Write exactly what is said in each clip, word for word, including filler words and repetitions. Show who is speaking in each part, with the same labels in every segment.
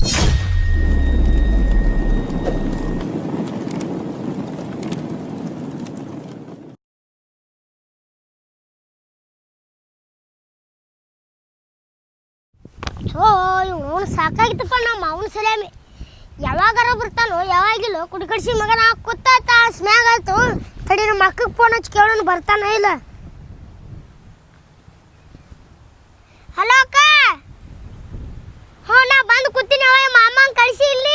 Speaker 1: ಓ ಇವನು ಸಾಕಾಗಿತ್ತಪ್ಪ ನಮ್ಮ ಅವನ ಸರಿಯಾಮಿ ಯಾವಾಗಾರ ಬರ್ತಾನೋ ಯಾವಾಗಿಲ್ಲ ಕುಡಿ ಕಡಿಸಿ ಮಗನ ಕೂತಾತ ಸ್ಮ್ಯಾಗ್ ಆಯ್ತು ತಡಿ ನಮ್ಮ ಅಕ್ಕಗೆ ಫೋನ್ ಹಚ್ಚಿ ಕೇಳೋನು ಬರ್ತಾನ ಇಲ್ಲ. ಹಲೋ ಅಕ್ಕ. ಹ್ಞೂ ನಾ ಬಂದು ಕೂತೀನಿ ಅವ ಮಾಮಂಗೆ ಕಳಿಸಿ ಇಲ್ಲಿ.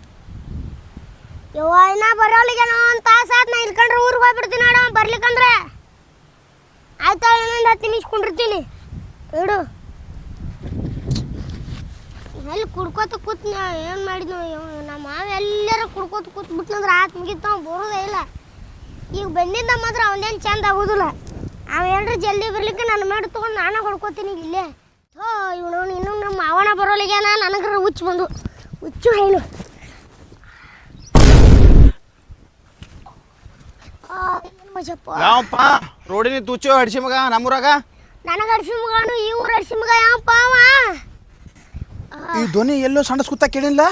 Speaker 1: ಯವ್ವ ಇನ್ನ ಬರೋಲಿಗೇನೋ ಒಂದು ತಾಸು ಆತು. ನಾ ಇಲ್ಕಂಡ್ರೆ ಊರಿಗೆ ಹೋಗ್ಬಿಡ್ತೀನಿ ನೋಡ ಬರ್ಲಿಕ್ಕಂದ್ರೆ. ಆಯ್ತಾ ಇನ್ನೊಂದು ಹತ್ತು ನಿಮಿಷ ಕುಂಡಿರ್ತೀನಿ ಇಡು. ಎಲ್ಲಿ ಕುಡ್ಕೋತ ಕೂತ್ ಏನು ಮಾಡಿದ್ನು ನಮ್ಮ ಮಾವ ಎಲ್ಲರೂ ಕುಡ್ಕೋತ ಕೂತ್ ಬಿಟ್ನಂದ್ರೆ ಆತು ಮುಗಿತು ಅವ್ನು ಬರೋದೇ ಇಲ್ಲ. ಈಗ ಬಂದಿದ್ದ ಮಾತ್ರ ಅವನೇನು ಚಂದ ಆಗೋದಿಲ್ಲ. ಅವ ಏನ್ರ ಜಲ್ದಿ ಬರ್ಲಿಕ್ಕೆ ನನ್ನ ಮಾಡಿ ತೊಗೊಂಡು ನಾನೇ ಹೊಡ್ಕೋತೀನಿ ಇಲ್ಲೇ. ಥೋ ಇವನು ಇನ್ನೂ ನಮ್ಮ ಮಾವನ ಬರೋಲಿಗೇನ ನನಗ್ರ ಹುಚ್ಚು ಬಂದು ಹುಚ್ಚು ಹೇಳು.
Speaker 2: ಯಾವಪ್ಪ ರೋಡಿನ ತುಚ್ಚು ಹಡ್ಸಿ ಮಗ ನಮ್ಮೂರಾಗ
Speaker 1: ನನಗೆ ಹಡ್ಸಿ ಮಗನು ಈ ಊರು ಹಡ್ಸಿ ಮಗ ಯಾವಪ್ಪ ಅವ.
Speaker 2: ಈ ಧ್ವನಿ ಎಲ್ಲೋ ಸಣ್ಣ ಕೂತ ಕೇಳಿಲ್ಲ.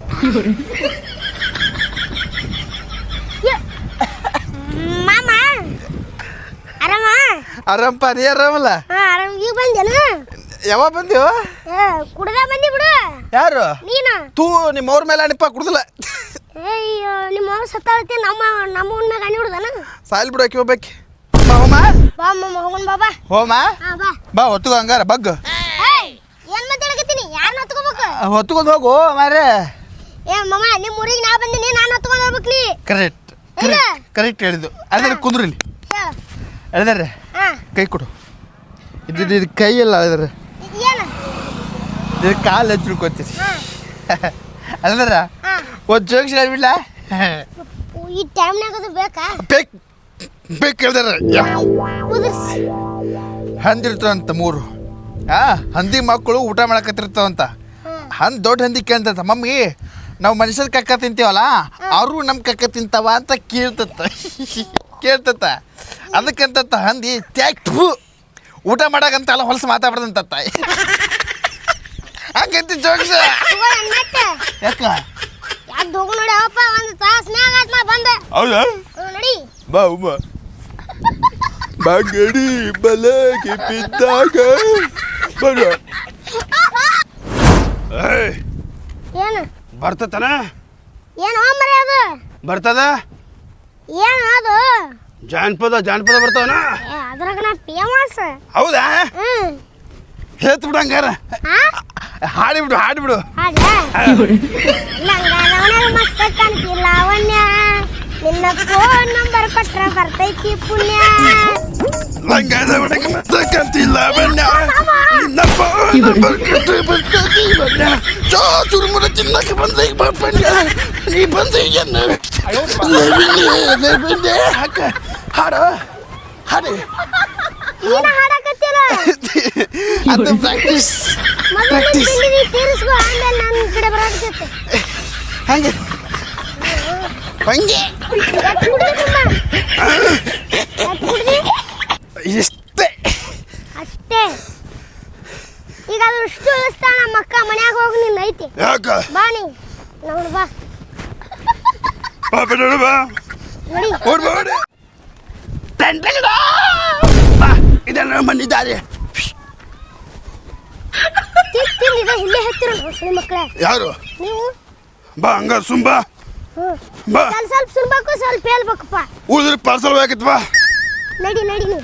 Speaker 1: ಮಾಮ ಆರಾಮ
Speaker 2: ಆರಾಮಪ್ಪ ನೀ ಆರಾಮಲ್ಲ?
Speaker 1: ಹಾಂ ಆರಾಮ. ಈಗ ಬಂದೇನು?
Speaker 2: ಯಾವಾಗ ಬಂದೀವ?
Speaker 1: ಕುಡ್ದ ಬಂದಿ ಬಿಡು.
Speaker 2: ಯಾರು
Speaker 1: ನೀನು?
Speaker 2: ತೂ ನಿಮ್ಮ ಅವ್ರ ಮೇಲೆ ಅಣಿಪ ಕುಡ್ದಿಲ್ಲ.
Speaker 1: ಅಯ್ಯೋ ನಿಮ್ಮ ಅವ್ರು ಸತ್ತಾಳತಿ ನಮ್ಮ ನಮ್ಮ ಮ್ಯಾಗ ಅಣಿ ಬಿಡುದನ
Speaker 2: ಸಾಯಿಲ್ ಬಿಡು ಆಕಿ ಹೋಗ್ಬೇಕಿ. ಬಾ ಹೋಮ
Speaker 1: ಬಾ ಮಮ್ಮ ಹೋಗೋಣ ಬಾಬಾ.
Speaker 2: ಹೋಮ
Speaker 1: ಹಾಂ ಬಾ
Speaker 2: ಬಾ ಹೊತ್ತುಗ ಹಂಗಾರ ಬಗ್ಗ.
Speaker 1: ಏನು ಮಾತಾಡಕತ್ತೀನಿ? ಯಾರನ್ನ ಹೊತ್ಕೋಬೇಕು?
Speaker 2: ಹೊತ್ಕೊಂಡು ಹೋಗು ಮಾರೇ.
Speaker 1: ಏ ಮಮ್ಮ ನಿಮ್ಮ ಊರಿಗೆ ನಾ ಬಂದಿನಿ, ನಾನು ಹೊತ್ಕೊಂಡು ಹೋಗ್ಬೇಕು ನೀ.
Speaker 2: ಕರೆಕ್ಟ್ ಕರೆಕ್ಟ್ ಹೇಳಿದ್ದು. ಅದೇ ಕುಂದ್ರಿ ಇಲ್ಲಿ
Speaker 1: ಹೇಳು.
Speaker 2: ಹೇಳಿದಾರೆ
Speaker 1: ಹಾಂ
Speaker 2: ಕೈ ಕೊಡು. ಇದು ಇದು ಕೈ ಎಲ್ಲ ಹೇಳಿದಾರೆ
Speaker 1: ಏನು
Speaker 2: ಇದು ಕಾಲು ಹಚ್ಚಿ ತಿಳ್ಕೊತೀರಿ.
Speaker 1: ಹಾಂ
Speaker 2: ಅಲ್ದಾರ
Speaker 1: ಹಾಂ
Speaker 2: ಒಂದು ಜೋಗಿಸಿ ಹೇಳ್ಬಿಡ್ಲ.
Speaker 1: ಈ ಟೈಮ್ನಾಗ ಅದು ಬೇಕಾ?
Speaker 2: ಬೇಕು ಬೇಕು ಹೇಳ್ದಾರ.
Speaker 1: ಕುದಿರ್ಸಿ
Speaker 2: ಹಂದಿರ್ತಾವಂತ ಮೂರು. ಆ ಹಂದಿ ಮಕ್ಕಳು ಊಟ ಮಾಡಕತ್ತಿರ್ತಾವಂತ. ಹಂದಿ ದೊಡ್ಡ ಹಂದಿ ಕೇಳ್ತಂತ ಮಮ್ಮಿ ನಾವು ಮನುಷ್ಯರ ಕಕ್ಕ ತಿಂತೀವಲ್ಲ ಅವರು ನಮ್ಮ ಕಕ್ಕ ತಿಂತಾವ ಅಂತ ಕೇಳ್ತತ್ತ ಕೇಳ್ತತ್ತ ಅದಕ್ಕಂತ ಹಂದಿ ತ್ಯಾಕ್ಟು ಊಟ ಮಾಡಕಂತಲ್ಲ ಹೊಲಸು ಮಾತಾಡ್ದಂತ ಹಂಗಂತ ಜೋಗಿಸ. ಯಾಕ
Speaker 1: ಯಾಕೆ ಹೋಗು ನೋಡಿ ಅವಪ್ಪ ಒಂದು ತಾಸು ಮ್ಯಾಗ ಆಯ್ತು ನಾ ಬಂದೆ.
Speaker 2: ಹೌದಾ
Speaker 1: ನಡಿ
Speaker 2: ಬಾ ಉಮ್ಮ ಬಾಗಡಿ ಬಲಗೆ ಬಿದ್ದಾಗ ಬರು.
Speaker 1: ಏನು
Speaker 2: ಬರ್ತತನ?
Speaker 1: ಏನು ಮರೆ ಅದು
Speaker 2: ಬರ್ತದ
Speaker 1: ಏನು ಅದು?
Speaker 2: ಜಾನಪದ ಜಾನಪದ ಬರ್ತಾವನ?
Speaker 1: ಏ ಅದ್ರಾಗ ನಾ ಫೇಮಸ್.
Speaker 2: ಹೌದಾ?
Speaker 1: ಹ್ಞೂ
Speaker 2: ಹೇಳ್ತು ಬಿಡು ಹಂಗಾರ. ಹಾಡಿಬಿಡು ಹಾಡಿಬಿಡು.
Speaker 1: ಲಂಗಾದವನಾಗ ಮಸ್ತ ಕಾಣ್ತಿಲ್ಲ ಲಾವಣ್ಯ, ನಿನ್ನ ಫೋನ್ ನಂಬರ್ ಕೊಟ್ರ ಬರ್ತೈತಿ ಪುಣ್ಯ.
Speaker 2: ಲಂಗಾದವನಾಗ ಮಸ್ತ ಕಾಣ್ತಿಲ್ಲ ಲಾವಣ್ಯ, ನಿನ್ನ ಫೋನ್ ನಂಬರ್ ಕೊಟ್ರ ಬರ್ತೈತಿ ಪುಣ್ಯ. ಚೋ ಚುರುಮುರ ತಿನ್ನಕ್ಕೆ ಬಂದ ಪುಣ್ಯ, ನೀ ಬಂದ ಹಾಕ ಹಾಡು ಹಾಡಿ.
Speaker 1: ನೀನ ಹಾಡಕತ್ತಿಲ್ಲ
Speaker 2: ಅದು ಪ್ರಾಕ್ಟೀಸ್ ಪ್ರಾಕ್ಟೀಸ್.
Speaker 1: ತೀರಿಸ್ಕೊ ಆಮೇಲೆ ನನ್ನ ಕಡೆ ಬರಾಕತ್ತೆ.
Speaker 2: ಹಂಗೆ ಹಂಗೆ ಇಷ್ಟೇ
Speaker 1: ಅಷ್ಟೇ. ಈಗ ಅದು ಇಷ್ಟು ಇಳಿಸ್ತಾ ನಮ್ಮ ಅಕ್ಕ ಮನ್ಯಾಗ ಹೋಗಿ ನಿನ್ನ ಐತಿ.
Speaker 2: ಯಾಕ
Speaker 1: ಬಾ ನೀ ನೋಡು ಬಾ
Speaker 2: ಬಾ ಬಿಡು ಬಾ
Speaker 1: ನೋಡಿ
Speaker 2: ಓಡ್ ಬಾ ಓಡಿ. ಬಾ ಇದನ್ನ ಬಂದಿದ್ದಾರೆ.
Speaker 1: ತಿಂದಿದೆ ಇಲ್ಲೇ ಹತ್ತಿರ ಸುಳಿ ಮಕ್ಕಳೇ
Speaker 2: ಯಾರು
Speaker 1: ನೀವು?
Speaker 2: ಬಾ ಹಂಗ ಸುಂಬಾ
Speaker 1: ಹ್ಞೂ
Speaker 2: ಬಾ.
Speaker 1: ಸ್ವಲ್ಪ ಸ್ವಲ್ಪ ಸುಳ್ಬೇಕು ಸ್ವಲ್ಪ ಹೇಳ್ಬೇಕಪ್ಪ.
Speaker 2: ಉಳಿದ್ರೆ ಪಾರ್ಸಲ್ ಹೋಗಿತ್ತು ಬಾ.
Speaker 1: ನಡಿ ನಡಿ ನೀವು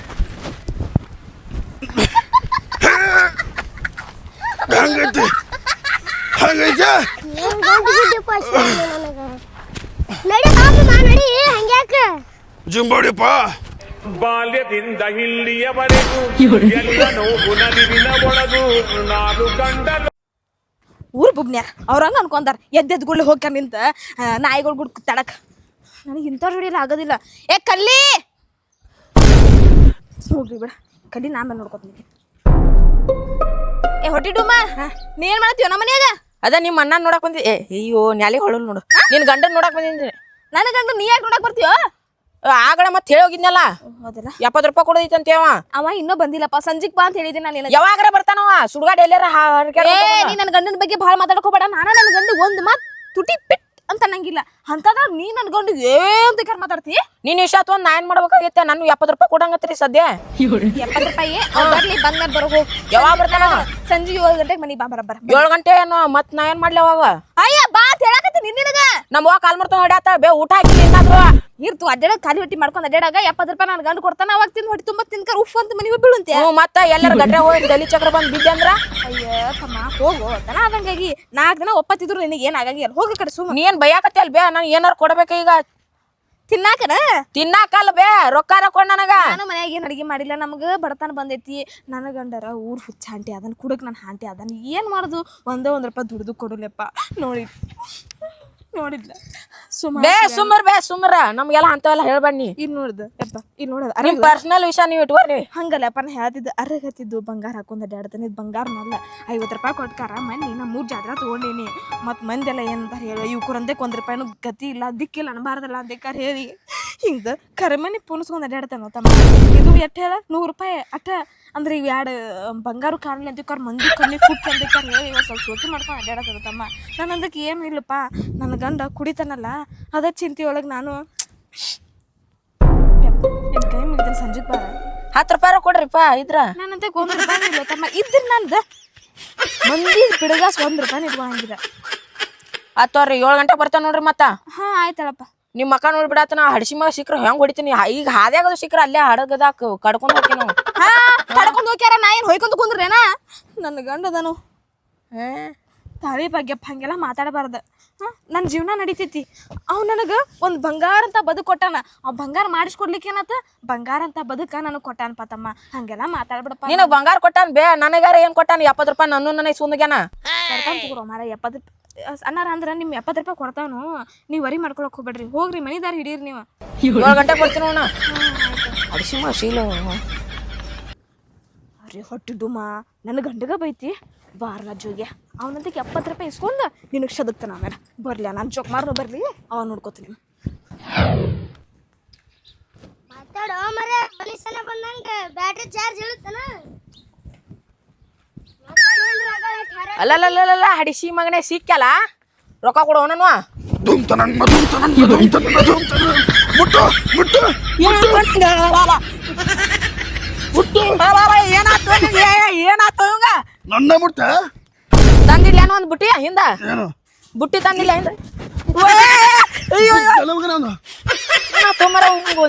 Speaker 2: ಹಂಗೈತಿ ಹಂಗೈತಿ
Speaker 1: ಏನು ಗಂಟು ಬಿದ್ದಪ್ಪ ನನಗೆ. ನಡಿ ಬಾಬಮ್ಮ ನಡಿ ಹಂಗ್ಯಾಕ
Speaker 2: ಜುಂಬೋಡಿಪ್ಪ.
Speaker 3: ಬಾಲ್ಯದಿಂದ ಇಲ್ಲಿಯವರೆಗೂ ಎಲ್ಲ ನೋವು ನಲಿವಿನ ಒಳಗೂ ನಾನು ಕಂಡ
Speaker 4: ಊರು ಬುಬ್ನ್ಯಾರ ಅವ್ರಂಗ ಅನ್ಕೊಂತಾರ ಎದ್ದೆದ್ ಗುಳ್ಳೆ ಹೋಗ್ಯಾರ ನಿಂತ ನಾಯಿಗಳು ಗುಡ್ ತಡಕ್. ನನಗೆ ಇಂಥ ಜೋಡಿಯಲ್ಲಿ ಆಗೋದಿಲ್ಲ. ಏ ಕಲ್ಲಿ ಹೋಗ್ರಿ ಬಿಡ ಕಲ್ಲಿ ನಾ ಮೇಲೆ ನೋಡ್ಕೊತೀನಿ. ಏ ಹೊಟ್ಟಿ ಡುಮ್ಮ ನೀ ಏನ್ ಮಾಡತ್ತೀವ ನಮ್ಮ ಮನ್ಯಾಗ?
Speaker 5: ಅದ ನಿಮ್ಮ ಅಣ್ಣ ನೋಡಕ್ ಬಂದಿ. ಏ ಅಯ್ಯೋ ನ್ಯಾಲಿ ಹೊಳಲ್ ನೋಡು ನಿನ್ ಗಂಡನ್ ನೋಡಕ್ ಬಂದಿದ್ರಿ.
Speaker 4: ನನ್ನ ಗಂಡ ನೀ ಯಾಕೆ ನೋಡಕ್ ಬರ್ತೀವ?
Speaker 5: ಆಗಡೆ ಮತ್ತೆ ಹೇಳಿ ಹೋಗಿದ್ನಲ್ಲ
Speaker 4: ಹೌದಲ್ಲ
Speaker 5: ಎಪ್ಪತ್ತು ರೂಪಾಯಿ ಕೊಡೋದೈತಂತೆ ಅವ
Speaker 4: ಅವ ಇನ್ನೂ ಬಂದಿಲ್ಲಪ್ಪ ಸಂಜಿಗ್ ಬಾ ಅಂತ ಹೇಳಿದ್ದೀನಿ ನಾನು ನಿನಗೆ
Speaker 5: ಯಾವಾಗ್ರೆ ಬರ್ತಾನವ ಸುಡ್ಗಾಡ್ ಎಲ್ಲಾರ
Speaker 4: ಏ ನೀ ನನ್ನ ಗಂಡನ ಬಗ್ಗೆ ಭಾಳ ಮಾತಾಡ್ಕೋಬೇಡ ನಾನು ನನ್ನ ಗಂಡ ಒಂದು ಮಾತು ತುಟಿ ಪಿಟ್ ಅಂತ ಅನ್ನಂಗಿಲ್ಲ ಅಂತದಾಗ ನೀ ನನ್ನ ಗಂಡ ಏನ್ ಬೇಕಾದ್ರೆ ಮಾತಾಡ್ತಿ
Speaker 5: ನೀನ್ ಇಷ್ಟ ಒಂದ್ ನಾ ಏನ್ ಮಾಡ್ಬೇಕಾಗೈತೆ ನಾನು ಎಪ್ಪತ್ತು ರೂಪಾಯಿ ಕೊಡಂಗತ್ರಿ ಸದ್ಯ
Speaker 4: ಎಪ್ಪತ್ತು ರೂಪಾಯಿ ಬರ್ಲಿ ಬಂದ್ಮೇಲೆ ಬರೋ
Speaker 5: ಯಾವಾಗ ಬರ್ತಾನ
Speaker 4: ಸಂಜೆ ಏಳು ಗಂಟೆಗೆ ಮನಿ ಬಾ ಬರಬ್ಬರ
Speaker 5: ಏಳು ಗಂಟೆ ಏನು ಮತ್ ನಾ ಏನ್ ಮಾಡ್ಲಿ ಅವಾಗ
Speaker 4: ಅಯ್ಯ ಬಾ ಅಂತ ಹೇಳಕತ್ತೀನಿ ನಿನಗ
Speaker 5: ನಮ್ಮ ಅವ್ವ ಕಾಲ್ ಮಾಡ್ತಾ ಹೊಡ್ಯಾತ ಬೇ ಊಟ ಹಾಕಿ ಏನಾದ್ರು
Speaker 4: ಇರ್ತು ಅಡ್ಡಾಡ ಖಾಲಿ ಹೊಟ್ಟಿ ಮಾಡ್ಕೊಂಡು ಅಡ್ಡಾಡಾಗ ಎಪ್ಪತ್ತು ರೂಪಾಯಿ ನನ್ನ ಗಂಡು ಕೊಡ್ತಾನ ಅವಾಗ ತಿಂದು ಹೊಟ್ಟಿ ತುಂಬ ತಿನ್ಕರ್ ಉಫ್ ಅಂತ ಮನಿಗೆ ಬೀಳುಂತೆ
Speaker 5: ಹ್ಞೂ ಮತ್ತ ಎಲ್ಲರ ಗಡ್ಡೆ ಹೋಗಿ ಗಲಿ ಚಕ್ರ ಬಂದ್ ಬಿದ್ದೆ ಅಂದ್ರ
Speaker 4: ಅಯ್ಯ ತಮ್ಮ ಹೋಗು ತನ ಆದಂಗಾಗಿ ನಾಲ್ಕು ದಿನ ಒಪ್ಪತ್ತಿದ್ರು ನಿನಗೆ ಏನ್ ಆಗಂಗಿಲ್ಲ ಹೋಗ ಕಡೆ ಸುಮ್ಮ
Speaker 5: ನೀ ಏನ್ ಬೈಯಾಕತ್ತೆ ಅಲ್ ಬೇ ನಾನು ಏನಾರು ಕೊಡ್ಬೇಕ ಈಗ
Speaker 4: ತಿನ್ನಾಕನ
Speaker 5: ತಿನ್ನಾಕಲ್ಲ ಬೇ ರೊಕ್ಕ ಕೊಡ್ ನನಗ
Speaker 4: ನಾನು ಮನ್ಯಾಗ ಏನ್ ಅಡಿಗೆ ಮಾಡಿಲ್ಲ ನಮ್ಗ ಬಡತನ ಬಂದೈತಿ ನನ್ನ ಗಂಡರ ಊರ್ ಹುಚ್ಚ ಹಾಂಟಿ ಅದನ್ ಕುಡಕ್ ನನ್ ಹಾಂಟಿ ಅದನ್ ಏನ್ ಮಾಡುದು ಒಂದೇ ಒಂದ್ ರೂಪಾಯಿ ದುಡ್ದು ಕೊಡುಲೆಪ್ಪ ನೋಡಿ ನೋಡಿದ್ಲ ಸುಮ್ಮ
Speaker 5: ಬೇ ಸುಮ್ಮರ್ ಬೇ ಸುಮ್ಮರ ನಮ್ಗೆಲ್ಲ ಅಂತವೆಲ್ಲ ಹೇಳ್ಬಣ್ಣಿ
Speaker 4: ಇನ್ ನೋಡ್ದ ಯಪ್ಪ ಇನ್ ನೋಡದ
Speaker 5: ನಿಮ್ ಪರ್ಸನಲ್ ವಿಷಯ ನೀವ್ ಇಟ್ಕೋರಿ
Speaker 4: ಹಂಗಲ್ಲಪ್ಪ ನಾ ಹೇಳ್ತಿದ್ದ ಅರಗತ್ತಿದ್ದು ಬಂಗಾರ ಹಾಕೊಂಡ್ ಅಡ್ಡಾಡ್ತಾನೆ ಇದು ಬಂಗಾರನಲ್ಲ ಐವತ್ತು ರೂಪಾಯಿ ಕೊಟ್ಕಾರ ಮನ್ನಿ ನಾ ಮೂರ್ ಜಾತ್ರೆ ತಗೊಂಡೇನಿ ಮತ್ ಮಂದೆಲ್ಲ ಏನಂತಾರ ಹೇಳ ಇವ್ಕರಂದೆ ಒಂದ್ ರೂಪಾಯಿನೂ ಗತಿ ಇಲ್ಲ ದಿಕ್ಕಿಲ್ಲ ಅನ್ಬಾರ್ದಲ್ಲ ಅಂದೇಕಾರ ಹೇಳಿ ಹಿಂಗ ಕರೆಮನಿ ಪುನಸ್ಕೊಂಡ್ ಅಡ್ಡಾಡ್ತಾನ ತಮ್ಮ ಇದು ಎಟ್ಟ ಹೇಳ ನೂರು ರೂಪಾಯಿ ಅಟ್ಟ ಅಂದ್ರೆ ಇವ್ ಎರಡು ಬಂಗಾರ ಕಾಣಲಿ ಅಂತಿಕಾರ ಮಂದಿ ಕಣ್ಣಿ ಕುಟ್ಟಿ ಅಂದಿಕಾರ ಹೇಳಿ ಇವಾಗ ಸ್ವಲ್ಪ ಸೋಕಿ ಮಾಡ್ಕೊಂಡು ಅಡ್ಡಾಡತ್ತಾರ ತಮ್ಮ ನಾನು ಅದಕ್ಕೆ ಏನು ಇಲ್ಲಪ್ಪ ನನ್ನ ಗಂಡ ಕುಡಿತಾನಲ್ಲ ಅದ ಚಿಂತೆ ಒಳಗೆ ನಾನು ನಿನ್ ಕೈ ಮುಗಿದನ್ ಸಂಜೆಗೆ ಬಾರ
Speaker 5: ಹತ್ತು ರೂಪಾಯಿ ಕೊಡ್ರಿಪ್ಪ ಇದ್ರ
Speaker 4: ನಾನಂತ ಒಂದ್ ರೂಪಾಯಿ ಇಲ್ಲ ತಮ್ಮ ಇದ್ರ ನಂದ ಮಂದಿ ಬಿಡಗಾಸ್ ಒಂದ್ ರೂಪಾಯಿ ಇಟ್ಕೊಂಗಿಲ್ಲ
Speaker 5: ಹತ್ತವ್ರಿ ಏಳು ಗಂಟೆ ಬರ್ತಾನ ನೋಡ್ರಿ ಮತ್ತ
Speaker 4: ಹಾ ಆಯ್ತಳಪ್ಪ
Speaker 5: ನಿಮ್ ಮಕ್ಕ ನೋಡ್ಬಿಡತ್ತ ನಾ ಹಡ್ಸಿ ಮಗ ಸಿಕ್ಕ್ರ ಹೆಂಗ್ ಹೊಡಿತೀನಿ ಈಗ ಹಾದ್ಯಾಗದು ಸಿಕ್ಕ್ರ ಅಲ್ಲೇ ಹಡಗದಾಕ ಕಡ್ಕೊಂಡ್ ಹೋಗ್ತೀನಿ ನಾವು
Speaker 4: ಹಾ ಕಡ್ಕೊಂಡು ಹೋಗ್ಯಾರ ನಾ ಏನು ಹೊಯ್ಕೊಂತ ಕುಂದ್ರೇನಾ ನನ್ನ ಗಂಡದನು ತಾಳಿ ಬಗ್ಗೆಪ್ಪ ಹಂಗೆಲ್ಲ ಮಾತಾಡಬಾರ್ದು ಹಾಂ ನನ್ನ ಜೀವನ ನಡೀತೈತಿ ಅವ್ ನನಗೆ ಒಂದು ಬಂಗಾರ ಅಂತ ಬದುಕು ಕೊಟ್ಟಾನ ಅವ್ ಬಂಗಾರ ಮಾಡಿಸ್ಕೊಡ್ಲಿಕ್ಕೆ ಏನತ್ತ ಬಂಗಾರ ಅಂತ ಬದುಕ ನನಗೆ ಕೊಟ್ಟಾನಪ್ಪ ತಮ್ಮ ಹಂಗೆಲ್ಲ ಮಾತಾಡ್ಬಿಡಪ್ಪ
Speaker 5: ನಿನಗ್ ಬಂಗಾರ ಕೊಟ್ಟಾನ ಬೇ ನನಗಾರ ಏನ್ ಕೊಟ್ಟಾನ ಎಪ್ಪತ್ತು ರೂಪಾಯಿ ನನ್ನ ನನಗೆ ಸುಂದಗ್ಯಾನ
Speaker 4: ಕೊಡ್ತಾನ ತಗೋರೋ ಮಾರ ಎಪ್ಪತ್ತು ಅನ್ನಾರ ಅಂದ್ರೆ ನಿಮ್ಮ ಎಪ್ಪತ್ತು ರೂಪಾಯಿ ಕೊಡ್ತಾವನು ನೀವು ವರಿ ಮಾಡ್ಕೊಳಕ್ ಹೋಗ್ಬೇಡ್ರಿ ಹೋಗ್ರಿ ಮನಿದಾರ ಹಿಡೀರಿ ನೀವು
Speaker 5: ಏಳು ಗಂಟೆ ಬರ್ತೀನಿ ಅಣ್ಣ ಹಡ್ಸಿ ಮಗ ಶೀಲ
Speaker 4: ಅರೆ ಹೊಟ್ಟಿ ಡುಮ ನನ್ನ ಗಂಡಗ ಬೈತಿ ಬಾರ್ಲ ಜೋಗ್ಯ ಅವನಂತಕ್ಕೆ ಎಪ್ಪತ್ತು ರೂಪಾಯಿ ಇಸ್ಕೊಂಡು ನಿನಗೆ ಶದಕ್ತಾನ ಆಮೇಲೆ ಬರ್ಲಿ ನಾನು ಜೋಕ್ ಮಾರ್ನು ಬರ್ಲಿ ಅವ ನೋಡ್ಕೋತೀನಿ
Speaker 1: ಮಾತಾಡೋ ಮರೆ ಮನುಷ್ಯನ ಬಂದಂಗ ಬ್ಯಾಟ್ರಿ ಚಾರ್ಜ್ ಇಳುತ್ತನ
Speaker 5: ಅಲ್ಲಲ್ಲ ಹಡಿಸಿ ಮಗನೇ ಸಿಕ್ಕಲ್ಲ ರೊಕ್ಕ ಕೊಡು ನಾನು
Speaker 2: ಧೂಮ್ತನನ್ ಮಧೂಮ್ತನನ್ ಮಧೂಮ್ತನನ್ ಮಧೂಮ್ತನನ್ ಮುಟ್ಟು ಮುಟ್ಟು ಮುಟ್ಟು
Speaker 5: ಏನಾಯ್ತು ಏನಾಯ್ತು ಇವಂಗ
Speaker 2: ನನ್ನ ಮುಟ್ಟ
Speaker 5: ತಂದಿಲ್ಲ ಏನೋ ಒಂದು ಬುಟ್ಟಿ ಹಿಂದ
Speaker 2: ಏನು
Speaker 5: ಬುಟ್ಟಿ ತಂದಿಲ್ಲ ಹಿಂದ ತೊಂಬರ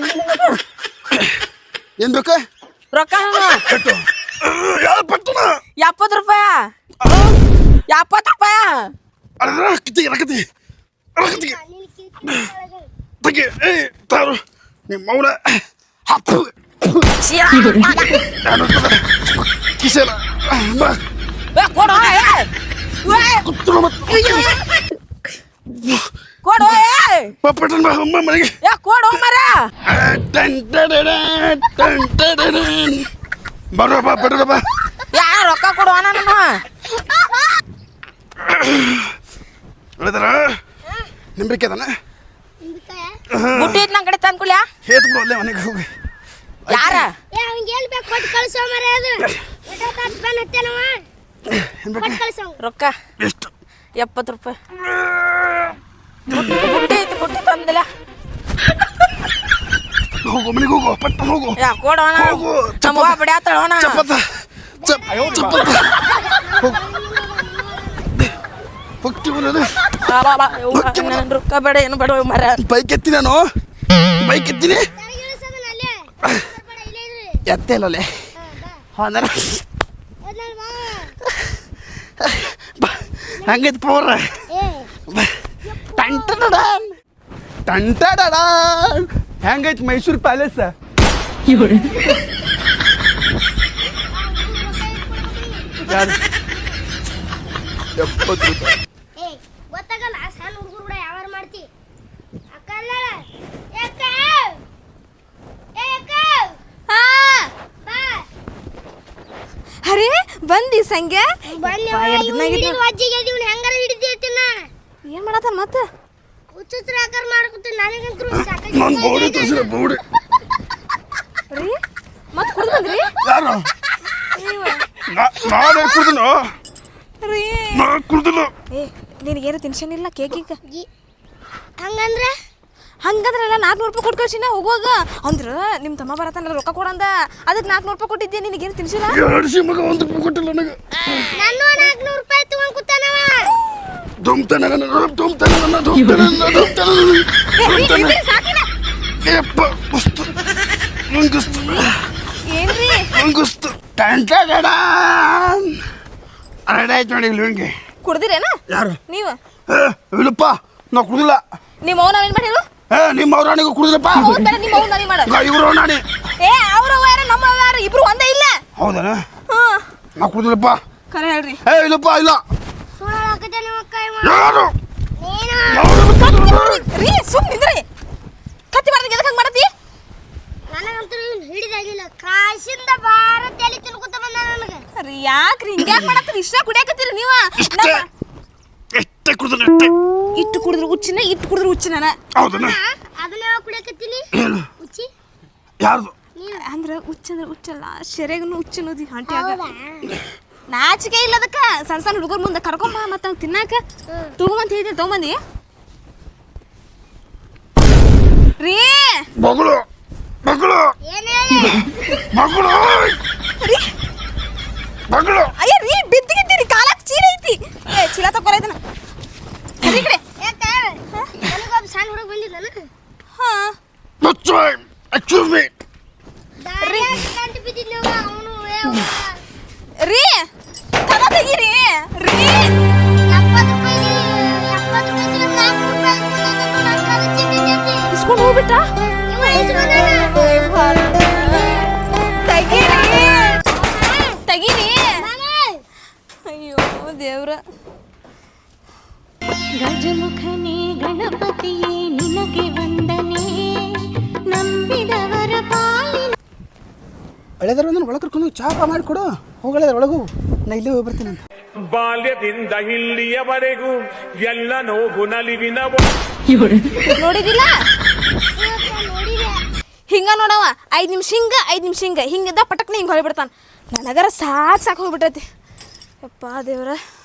Speaker 2: ಏನ್ ಬೇಕ
Speaker 5: ರೊಕ್ಕ
Speaker 2: ಕಟ್ಟು ಯಾವ ಪಟ್ಟಣ
Speaker 5: ಎಪ್ಪತ್ತು ರೂಪಾಯ ಎಪ್ಪತ್ತು ರೂಪಾಯ
Speaker 2: ಅದ್ರ ರಕ್ಕತಿ ರಕ್ಕತಿ ರಕ್ಕತಿ ತಗಿ ಏ ತಾರು ನಿಮ್ಮ ಮೌನ ಹಪ್ಪು ಕಿಸೆಲ್ಲ
Speaker 5: ಕೊಡು
Speaker 2: ಕುತ್ತಲು ಮತ್ತು
Speaker 5: ಕೊಡು
Speaker 2: ಪಟ್ಟಣ ಬಾ ಅಮ್ಮ ಮನೆಗೆ
Speaker 5: ಯಾ ಕೊಡು ಮರ
Speaker 2: ಬರೋಪ್ಪ ಪಟ್ಟಣ ಬಾ
Speaker 5: ಯಾ ರೊಕ್ಕ ಕೊಡು ನಾನು
Speaker 2: ಹೇಳಿದಾರ ನಿಂಬಿಕೆ ಅದಾನ
Speaker 5: ಬುಟ್ಟಿ ಇದ್ ನನ್ ಕಡೆ ತಂದ್ಕೊಳ್ಯಾ
Speaker 2: ಹೇತ್ ಬಿಡು ಅಲ್ಲೇ ಮನೆಗೆ ಹೋಗಿ
Speaker 5: ಯಾರ
Speaker 1: ಏ ಅವ್ನಿಗೆ ಎಲ್ಲಿ ಬೇಕು ಕೊಟ್ಟು ಕಳಿಸೋ ಮರೆ ಅದು ಎಷ್ಟೊತ್ತು ಹತ್ತು ರೂಪಾಯಿ ಹತ್ತೇನವ ಕೊಟ್ಟು ಕಳಿಸೋ
Speaker 5: ರೊಕ್ಕ
Speaker 2: ಎಷ್ಟು
Speaker 5: ಎಪ್ಪತ್ತು ರೂಪಾಯಿ ಬುಟ್ಟಿ ಐತಿ ಬುಟ್ಟಿ ತಂದಿಲ್ಲ
Speaker 2: ಹೋಗು ಮನೆಗೆ ಹೋಗು ಪಟ್ಟ ಹೋಗು
Speaker 5: ಯಾ ಕೊಡೋಣ
Speaker 2: ಹೋಗು
Speaker 5: ನಮ್ಮ ಬಿಡ್ಯಾತಳೋಣ
Speaker 2: ಚಪ್ಪತ್ತ ಚಪ್ ಚಪ್ಪತ್ತ ಹೋಗ್ತಿ ಬರೋದು
Speaker 5: ನನ್ ರೊಕ್ಕ ಬೇಡ ಏನು ಬೇಡ ಮರ
Speaker 2: ಬೈಕ್ ಎತ್ತಿ ನಾನು ಬೈಕ್ ಎತ್ತೀನಿ
Speaker 1: ನನಗೆ ಇಳಿಸೋದನ್ನ ಅಲ್ಲೇ ಬೇಡ ಇಲ್ಲೇ ಇರ್ರಿ
Speaker 2: ಎತ್ತೆ ಇಲ್ಲಲ್ಲೇ ಹೋದ ಹಂಗೈತಿ ಪವರ್
Speaker 1: ಏ
Speaker 2: ಟಂಟಡಡಾನ್ ಟಂಟಡಡಾನ್ ಹೆಂಗೈತಿ ಮೈಸೂರು ಪ್ಯಾಲೇಸ್ ಯಾರು ಎಪ್ಪತ್ತು ರೂಪಾಯಿ
Speaker 1: ಏ ಗೊತ್ತಾಗಲ್ಲ ಸಣ್ಣ ಹುಡುಗರು ಕೂಡ ಯಾವಾರ ಮಾಡ್ತಿ ಅಕ್ಕ ಅಲ್ಲ ಯಾಕ ಏ ಅಕ್ಕ
Speaker 4: ಹಾ
Speaker 1: ಬಾ
Speaker 4: ಅರೆ ಬಂದಿ ಸಂಖ್ಯೆ
Speaker 1: ಬನ್ನಿ
Speaker 4: ಬಾ, ಎರ್ಡ್ ದಿನ ಆಗಿತ್ತು.
Speaker 1: ವಜ್ಜಿಗೆ ಇದೀವಿ ಹೆಂಗಾರ ಹಿಡಿದಿರ್ತೀನಿ ನಾನು
Speaker 4: ಏನ್ ಮಾಡತ್ತಾನ ಮತ್ತೆ
Speaker 1: ಹುಚ್ಚುಚ್ರ ಆಕಾರ ಮಾಡ್ಕೊತೀನಿ ನನಗಂತೂ
Speaker 2: ನನ್ನ ಬೋಡಿ ತೋರಿಸಿದ ಬೋಡಿ
Speaker 4: ರೀ ಮತ್ತೆ ಕುಡ್ದು ಬಂದ್ರಿ
Speaker 2: ಯಾರು ನಾನು ಕುಡ್ದನು
Speaker 4: ರೀ
Speaker 2: ನಾ ಕುಡ್ದಿಲ್ಲ
Speaker 4: ಏ ನಿನಗೇನು ಟೆನ್ಷನ್ ಇಲ್ಲ ಕೇಕಿಗೆ
Speaker 1: ಹಂಗಂದ್ರೆ
Speaker 4: ಹಂಗಂದ್ರಲ್ಲ ನಾಲ್ಕುನೂರು ರೂಪಾಯಿ ಕೊಟ್ಟು ಕಳ್ಸಿನ ಹೋಗುವಾಗ ಅಂದ್ರೆ ನಿಮ್ಮ ತಮ್ಮ ಬರತ್ತಾನಲ್ಲ ರೊಕ್ಕ ಕೊಡಂದ ಅದಕ್ಕೆ ನಾಲ್ಕುನೂರು ರೂಪಾಯಿ ಕೊಟ್ಟಿದ್ದೆ ನಿನಗೇನು ತಿನ್ಸಿಲ್ಲ
Speaker 2: ಎರಡು ಮಗ ಒಂದು ರೂಪಾಯಿ ಕೊಟ್ಟಿಲ್ಲ ನನಗೆ
Speaker 1: ನಾನು ನಾಲ್ಕುನೂರು ರೂಪಾಯಿ ತಗೊಂಡ್ ಕೂತಾನವ
Speaker 2: ದುಮ್ತಾನೆ ನನ್ನ ದುಮ್ತಾನೆ ನನ್ನ ದುಮ್ತಾನೆ ನನ್ನ ದುಮ್ತಾನೆ ಏಪ್ಪ ಮಸ್ತು ನಂಗಿಸ್ತು
Speaker 4: ಏನ್ರಿ
Speaker 2: ನಂಗಿಸ್ತು ಟಂಟ ರೆಡಿ ಆಯ್ತು ನೋಡಿ ಲುಂಗಿ
Speaker 4: ಕುಡ್ದಿರೇನ
Speaker 2: ಯಾರು
Speaker 4: ನೀವು
Speaker 2: ಏ ಇಲ್ಲಪ್ಪ ನಾ ಕುಡಿದಿಲ್ಲ
Speaker 4: ನಿಮ್ಮ ಅವ್ನ ನಾವೇನು ಮಾಡಿರು
Speaker 2: ಏ ನಿಮ್ಮ ಅವ್ರಾಣಿಗೂ ಕುಡಿದಿಲ್ಲಪ್ಪ
Speaker 4: ಹೌದು ಬೇಡ ನಿಮ್ಮ ಅವ್ನ ನಾವೇ ಮಾಡ
Speaker 2: ಇವರು ನಾಣಿ
Speaker 4: ಏ ಅವ್ರ ಯಾರ ನಮ್ಮ ಯಾರ ಇಬ್ರು ಒಂದೇ ಇಲ್ಲ
Speaker 2: ಹೌದಾ
Speaker 4: ಹಾಂ
Speaker 2: ನಾ ಕುಡಿದಿಲ್ಲಪ್ಪ
Speaker 4: ಕರೆ ಹೇಳ್ರಿ
Speaker 2: ಏ ಇಲ್ಲಪ್ಪ ಇಲ್ಲ
Speaker 1: ಸುಳ್ಳು ಹಾಕತ್ತೆ ನಿಮ್ಮ ಕೈ
Speaker 2: ಯಾರು
Speaker 1: ನೀನು
Speaker 4: ರೀ ಸುಮ್ ನಿಂದ್ರಿ ಕತ್ತಿ ಮಾಡ್ದಂಗೆ ಎದಕ್ಕೆ ಹಂಗೆ ಮಾಡತ್ತಿ
Speaker 1: ನನಗಂತೂ ಇವ್ನು ಹಿಡಿದಾಗಿಲ್ಲ ಕಾಶಿಂದ ಬಾರ ತಲೆ ತಿನ್ಕೊತ ಬಂದ ನನಗೆ
Speaker 4: ರೀ ಯಾಕ್ರಿ ಹಿಂಗೆ ಯಾಕೆ ಮಾಡತ್ತೀರಿ ಇಷ್ಟ ಕುಡಿಯಾಕತ್ತೀರಿ ನೀವು
Speaker 2: ಇಷ್ಟೇ ಎಷ್ಟೇ ಕುಡಿದ್ರೆ ಎಷ್ಟೇ
Speaker 4: ಇಟ್ಟು ಕುಡಿದ್ರು ಹುಚ್ಚಿನ ಇಟ್ಟು ಕುಡಿದ್ರು ಹುಚ್ಚಿನ
Speaker 2: ಹೌದನ
Speaker 1: ಅದನ್ನ ಯಾವಾಗ ಕುಡಿಯಕತ್ತೀನಿ
Speaker 2: ಏನು
Speaker 1: ಉಚ್ಚಿ
Speaker 2: ಯಾರ್ದು
Speaker 4: ಅಂದ್ರೆ ಹುಚ್ಚಂದ್ರೆ ಹುಚ್ಚಲ್ಲ ಶೆರೆಗನು ಹುಚ್ಚನೋದಿ ಆಂಟಿ ಆಗ
Speaker 1: ಹೌದಾ
Speaker 4: ನಾಚಿಕೆ ಇಲ್ಲ ಅದಕ್ಕೆ ಸಣ್ಣ ಸಣ್ಣ ಹುಡುಗರ ಮುಂದೆ ಕರ್ಕೊಂಬ ಮತ್ತೆ ಅವ್ನು ತಿನ್ನಾಕ ತಗೊಂಬಂತ ಹೇಳಿದ್ರೆ ತಗೊಂಬಂದಿ ರೀ
Speaker 2: ಮಗಳು ಮಗಳು
Speaker 1: ಏನ್ ಹೇಳಿ
Speaker 2: ಮಗಳು
Speaker 4: ರೀ
Speaker 2: ಮಗಳು
Speaker 4: ಅಯ್ಯ ರೀ ಬಿದ್ದಿಗಿದ್ದೀರಿ ಕಾಲಕ್ಕೆ ಚೀಲ ಐತಿ ಏ ಚೀಲ ತಗೊರೈತನ ಸರಿ ಕಡೆ
Speaker 1: ಯಾಕ ನನಗೊಬ್ಬ ಸಣ್ಣ ಹುಡುಗ ಬಂದಿದ್ದಾನ
Speaker 4: ಹಾ
Speaker 2: ಮುಚ್ಚು ಎಕ್ಸ್ಕ್ಯೂಸ್ ಮೀ
Speaker 1: ದಾರಿ ಗಂಟು ಬಿದ್ದಿದ್ನವ ಅವನು
Speaker 4: ರೀ ಕದ ತೆಗೀರಿ ರೀ
Speaker 1: ಎಪ್ಪತ್ತು ರೂಪಾಯಿ ಎಪ್ಪತ್ತು ರೂಪಾಯಿ ಸಿಗಲ್ಲ ನಾಲ್ಕು ರೂಪಾಯಿ ನನ್ನ ಕಾಲ ಚಿಂತೆ
Speaker 4: ಇಸ್ಕೊಂಡು ಹೋಗ್ಬಿಟ್ಟ
Speaker 1: ಇವ ಇಸ್ಕೊಂಡಾನ
Speaker 4: ತೆಗೀರಿ ತೆಗೀರಿ
Speaker 1: ಮಾಮ
Speaker 4: ಅಯ್ಯೋ ದೇವ್ರ
Speaker 6: ಗಜಮುಖನೇ ಗಣಪತಿಯೇ ನಿನಗೆ ವಂದನೆ ನಂಬಿದವರ ಪಾಲಿನ
Speaker 7: ಹಳೆದರ ಒಂದು ಒಳಗೆ ಕರ್ಕೊಂಡು ಚಾಪ ಮಾಡಿಕೊಡು ಹೋಗಳೆದ್ರ ಒಳಗು ನಾ ಇಲ್ಲೇ ಹೋಗಿ ಬರ್ತೀನಿ ಅಂತ
Speaker 3: ಬಾಲ್ಯದಿಂದ ಇಲ್ಲಿಯವರೆಗೂ ಎಲ್ಲ ನೋವು ನಲಿವಿನ
Speaker 4: ನೋಡಿದಿಲ್ಲ
Speaker 1: ನೋಡಿದೆ
Speaker 4: ಹಿಂಗ ನೋಡವ ಐದು ನಿಮಿಷ ಹಿಂಗ ಐದು ನಿಮಿಷ ಹಿಂಗ ಹಿಂಗಿದ್ದ ಪಟಕ್ನ ಹಿಂಗೆ ಹೊಳಿಬಿಡ್ತಾನೆ ನನಗರ ಸಾಕು ಸಾಕು ಹೋಗ್ಬಿಟ್ಟೈತಿ ಯಪ್ಪ ದೇವ್ರ